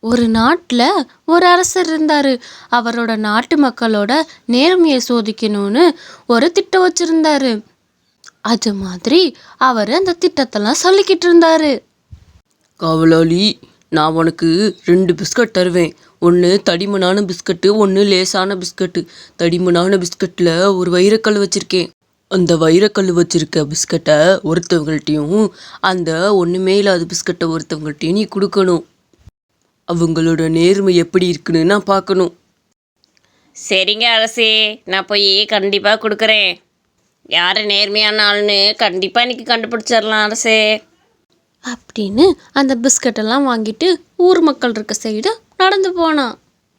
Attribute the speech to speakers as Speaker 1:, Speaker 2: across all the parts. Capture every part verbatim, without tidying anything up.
Speaker 1: ஒரு நாட்டில் ஒரு அரசர் இருந்தார். அவரோட நாட்டு மக்களோட நேர்மையை சோதிக்கணும்னு ஒரு திட்டம் வச்சிருந்தாரு. அது மாதிரி அவர் அந்த திட்டத்தெல்லாம் சொல்லிக்கிட்டு இருந்தாரு.
Speaker 2: காவலாளி, நான் உனக்கு ரெண்டு பிஸ்கட் தருவேன். ஒன்று தடிமனான பிஸ்கட்டு, ஒன்று லேசான பிஸ்கட்டு. தடிமனான பிஸ்கட்டில் ஒரு வைரக்கல் வச்சுருக்கேன். அந்த வைரக்கல் வச்சுருக்க பிஸ்கட்டை ஒருத்தவங்கள்ட்டையும் அந்த ஒன்றுமே இல்லாத பிஸ்கட்டை ஒருத்தவங்கள்ட்டையும் நீ கொடுக்கணும். அவங்களோட நேர்மை எப்படி இருக்குன்னு நான் பார்க்கணும்.
Speaker 3: சரிங்க அரசே, நான் போய் கண்டிப்பாக கொடுக்குறேன். யார் நேர்மையான ஆள்னு கண்டிப்பாக இன்னைக்கு கண்டுபிடிச்சிடலாம் அரசே
Speaker 1: அப்படின்னு அந்த பிஸ்கட்டெல்லாம் வாங்கிட்டு ஊர் மக்கள் இருக்க சைடு நடந்து போனான்.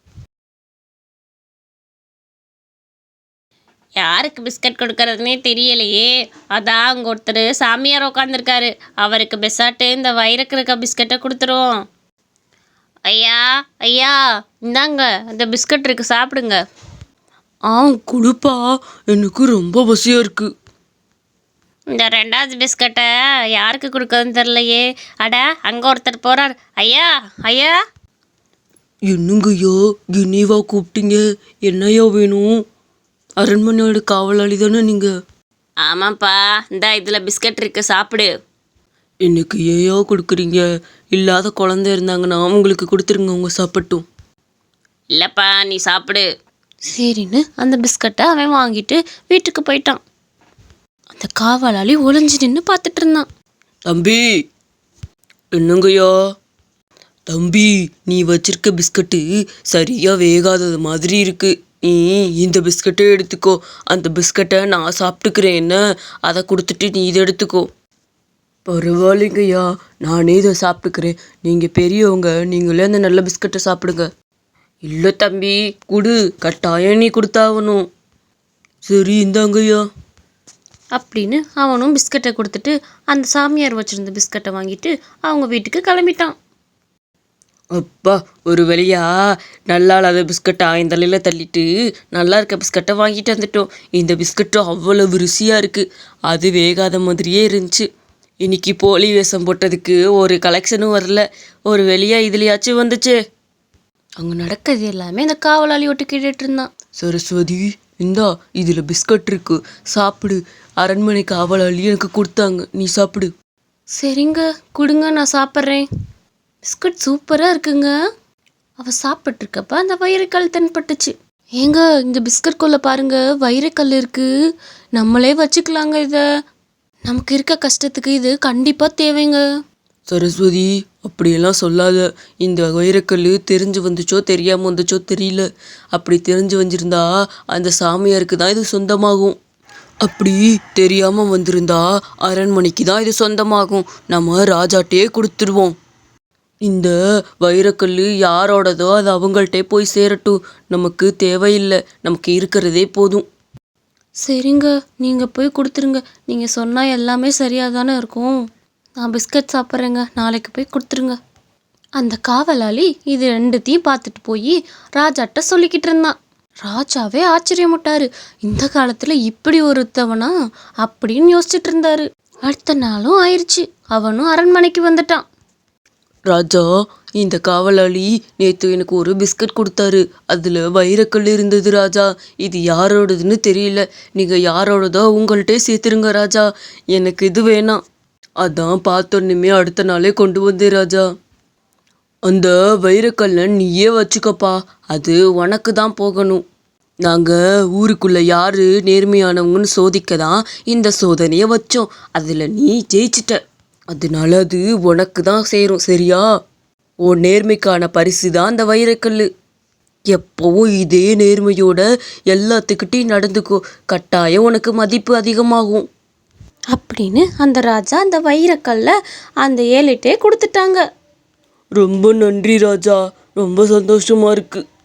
Speaker 3: யாருக்கு பிஸ்கட் கொடுக்கறதுனே தெரியலையே. அதான் அங்கே ஒருத்தர் சாமியார் உட்காந்துருக்காரு. அவருக்கு பெசாட்டு இந்த வயிறுக்கு இருக்க பிஸ்கட்டை கொடுத்துருவோம். ஐயா ஐயா, இந்தாங்க இந்த பிஸ்கட் இருக்கு, சாப்பிடுங்க.
Speaker 2: ஆ கொடுப்பா, எனக்கு ரொம்ப பசியாக இருக்குது.
Speaker 3: இந்த ரெண்டாவது பிஸ்கட்டை யாருக்கு கொடுக்கறதுன்னு தெரிலையே. அட, அங்கே ஒருத்தர் போகிறார். ஐயா ஐயா.
Speaker 2: என்னங்கய்யா, கினிவா கூப்பிட்டீங்க? என்னையா வேணும்? அரண்மனையோட காவலாளி தானே நீங்கள்?
Speaker 3: ஆமாப்பா, இந்த இதில் பிஸ்கட் இருக்கு, சாப்பிடு.
Speaker 2: எனக்கு ஏயா கொடுக்குறீங்க? இல்லாத குழந்தை இருந்தாங்கன்னா உங்களுக்கு கொடுத்துருங்க, அவங்க சாப்பிட்டும்.
Speaker 3: இல்லைப்பா, நீ சாப்பிடு.
Speaker 1: சரின்னு அந்த பிஸ்கட்டை அவன் வாங்கிட்டு வீட்டுக்கு போயிட்டான். அந்த காவலாளி ஒளிஞ்சு நின்று பார்த்துட்டு இருந்தான்.
Speaker 2: தம்பி, என்னங்கய்யா? தம்பி, நீ வச்சிருக்க பிஸ்கட்டு சரியா வேகாதது மாதிரி இருக்கு. நீ இந்த பிஸ்கட்டை எடுத்துக்கோ. அந்த பிஸ்கட்டை நான் சாப்பிட்டுக்கிறேன். என்ன, அதை கொடுத்துட்டு நீ இதை எடுத்துக்கோ. பரவாயில்லைங்கய்யா, நானே இதை சாப்பிட்டுக்கிறேன். நீங்கள் பெரியவங்க, நீங்களே அந்த நல்ல பிஸ்கட்டை சாப்பிடுங்க. இல்லை தம்பி, கொடு, கட்டாயம் நீ கொடுத்தாகணும். சரி, இந்தாங்கய்யா
Speaker 1: அப்படின்னு அவனும் பிஸ்கட்டை கொடுத்துட்டு அந்த சாமியார் வச்சுருந்த பிஸ்கட்டை வாங்கிட்டு அவங்க வீட்டுக்கு கிளம்பிட்டான்.
Speaker 2: அப்பா, ஒரு வழியா நல்லா இல்லாத பிஸ்கட்டை ஆயின் தலையில் தள்ளிட்டு நல்லா இருக்க பிஸ்கட்டை வாங்கிட்டு வந்துட்டோம். இந்த பிஸ்கட்டும் அவ்வளவு ருசியாக இருக்குது. அது வேகாத மாதிரியே இருந்துச்சு. இன்னைக்கு போலி வேஷம் போட்டதுக்கு ஒரு கலெக்ஷனும் வரல. ஒரு வெளியாக இதுலையாச்சும் வந்துச்சு.
Speaker 1: அங்கே நடக்கிறது எல்லாமே அந்த காவலாளி ஒட்டு கேட்டுட்டு இருந்தான்.
Speaker 2: சரஸ்வதி, இந்தா இதில் பிஸ்கட் இருக்கு, சாப்பிடு. அரண்மனை காவலாளி எனக்கு கொடுத்தாங்க, நீ சாப்பிடு.
Speaker 1: சரிங்க, கொடுங்க, நான் சாப்பிட்றேன். பிஸ்கட் சூப்பராக இருக்குங்க. அவள் சாப்பிட்ருக்கப்ப அந்த வைரக்கல் தென்பட்டுச்சு. ஏங்க, இந்த பிஸ்கட்குள்ளே பாருங்க, வைரக்கல் இருக்குது. நம்மளே வச்சுக்கலாங்க. இதை நமக்கு இருக்க கஷ்டத்துக்கு இது கண்டிப்பாக தேவைங்க.
Speaker 2: சரஸ்வதி, அப்படியெல்லாம் சொல்லாத. இந்த வைரக்கல் தெரிஞ்சு வந்துச்சோ தெரியாமல் வந்துச்சோ தெரியல. அப்படி தெரிஞ்சு வந்திருந்தா அந்த சாமியாருக்கு தான் இது சொந்தமாகும். அப்படி தெரியாமல் வந்திருந்தா அரண்மனைக்கு தான் இது சொந்தமாகும். நம்ம ராஜாட்டே கொடுத்துருவோம். இந்த வைரக்கல் யாரோடதோ அது அவங்கள்ட்டே போய் சேரட்டும். நமக்கு தேவையில்லை, நமக்கு இருக்கிறதே போதும்.
Speaker 1: சரிங்க, நீங்கள் போய் கொடுத்துருங்க. நீங்கள் சொன்னால் எல்லாமே சரியாக தானே இருக்கும். நான் பிஸ்கட் சாப்பிட்றேங்க, நாளைக்கு போய் கொடுத்துருங்க. அந்த காவலாளி இது ரெண்டுத்தையும் பார்த்துட்டு போய் ராஜாட்ட சொல்லிக்கிட்டு இருந்தான். ராஜாவே ஆச்சரியப்பட்டாரு. இந்த காலத்தில் இப்படி ஒருத்தவனா அப்படின்னு யோசிச்சுட்டு இருந்தாரு. அடுத்த நாளும் ஆயிடுச்சு. அவனும் அரண்மனைக்கு வந்துட்டான்.
Speaker 2: ராஜா, இந்த காவலாளி நேற்று எனக்கு ஒரு பிஸ்கட் கொடுத்தாரு. அதில் வைரக்கல் இருந்தது ராஜா. இது யாரோடதுன்னு தெரியல. நீங்கள் யாரோடதோ உங்கள்கிட்டே சேர்த்துருங்க ராஜா. எனக்கு இது வேணாம். அதான் பார்த்தோன்னுமே அடுத்த நாளே கொண்டு வந்தேன் ராஜா. அந்த வைரக்கல்லை நீயே வச்சுக்கப்பா, அது உனக்கு தான் போகணும். நாங்கள் ஊருக்குள்ளே யார் நேர்மையானவங்கன்னு சோதிக்க தான் இந்த சோதனையை வச்சோம். அதில் நீ ஜெயிச்சிட்ட, அதனால அது உனக்கு தான் சேரும். சரியா? உன் நேர்மைக்கான பரிசு தான் அந்த வைரக்கல். எப்போவும் இதே நேர்மையோட எல்லாத்துக்கிட்டையும் நடந்துக்கோ, கட்டாயம் உனக்கு மதிப்பு அதிகமாகும்
Speaker 1: அப்படின்னு அந்த ராஜா அந்த வைரக்கல்லை அந்த ஏழைட்டே கொடுத்துட்டாங்க.
Speaker 2: ரொம்ப நன்றி ராஜா, ரொம்ப சந்தோஷமா இருக்கு.